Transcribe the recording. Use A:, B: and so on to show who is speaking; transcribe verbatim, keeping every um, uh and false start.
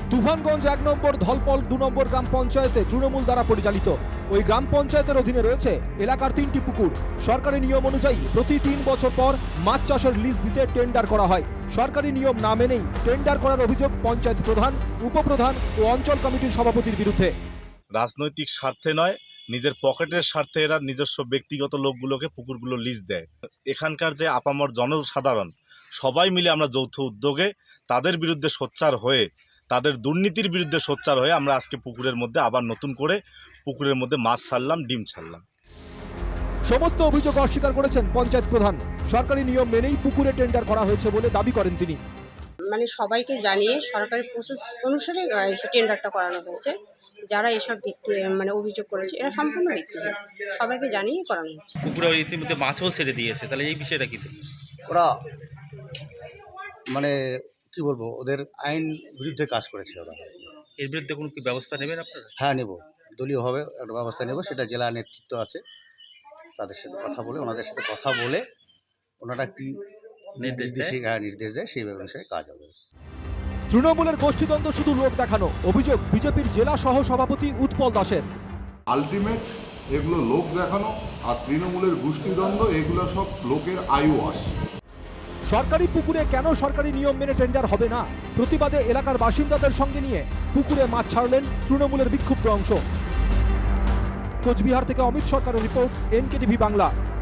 A: তুফানগঞ্জ এক নম্বর ধলপল দু নম্বর গ্রাম পঞ্চায়েতে তৃণমূল দ্বারা পরিচালিত ওই গ্রাম পঞ্চায়েতের অধীনে রয়েছে এলাকার তিনটি পুকুর। সরকারি নিয়ম অনুযায়ী প্রতি তিন বছর পর মাছ চাষের লিজ দিতে টেন্ডার করা হয়। সরকারি নিয়ম না মেনেই টেন্ডার করার অভিযোগ পঞ্চায়েত প্রধান, উপপ্রধান ও অঞ্চল কমিটির সভাপতির বিরুদ্ধে।
B: রাজনৈতিক স্বার্থে নয়, নিজের পকেটের স্বার্থে এরা নিজস্ব ব্যক্তিগত লোকগুলোকে পুকুরগুলো লিজ দেয়। এখানকার যে আপামর জনসাধারণ সবাই মিলে আমরা যৌথ উদ্যোগে তাদের বিরুদ্ধে সোচ্চার হয়ে, তাদের দুর্নীতির বিরুদ্ধে সোচ্চার হয়ে আমরা আজকে পুকুরের মধ্যে আবার নতুন করে পুকুরের মধ্যে মাছ ছাড়লাম, ডিম ছাড়লাম।
A: সমস্ত অভিযোগ অস্বীকার করেছেন পঞ্চায়েত প্রধান। সরকারি নিয়ম মেনেই পুকুরে টেন্ডার করা হয়েছে বলে দাবি করেন তিনি।
C: মানে সবাইকে জানিয়ে সরকারি প্রসেস অনুসারে টেন্ডারটা করানো হয়েছে। যারা এসব ভিত্তি মানে অভিযোগ করেছে এরা সম্পূর্ণ ভিত্তিহীন, সবাইকে জানিয়ে করানো হয়েছে।
D: পুকুরে ইতিমধ্যে মাছও ছেড়ে দিয়েছে, তাহলে এই বিষয়টা কি?
E: ওরা মানে কি বলবো, ওদের আইন বিরুদ্ধে কাজ করেছে ওরা।
D: এর বিরুদ্ধে কোনো কি ব্যবস্থা নেবেন আপনারা?
E: হ্যাঁ, নেব, দলীয়ভাবে একটা ব্যবস্থা নেব। সেটা জেলা নেতৃত্ব আছে, তাদের সাথে কথা বলে, ওনাদের সাথে কথা বলে ওনারা কি
D: নির্দেশ দেয়,
E: হ্যাঁ নির্দেশ দেয়, সেই অনুসারে কাজ হবে।
A: তৃণমূলের গোষ্ঠীদ্বন্দ্ব শুধু লোক দেখানো, অভিযোগ বিজেপির জেলা সহ সভাপতি উৎপল দাসের।
F: আলটিমেট এগুলো লোক দেখানো, আর তৃণমূলের গোষ্ঠীদ্বন্দ্ব এগুলো সব লোকের আয়ু আস।
A: সরকারি পুকুরে কেন সরকারি নিয়ম মেনে টেন্ডার হবে না, প্রতিবাদে এলাকার বাসিন্দাদের সঙ্গে নিয়ে পুকুরে মাছ ছাড়লেন তৃণমূলের বিক্ষুব্ধ অংশ। কোচবিহার থেকে অমিত সরকারের রিপোর্ট, এনকেটিভি বাংলা।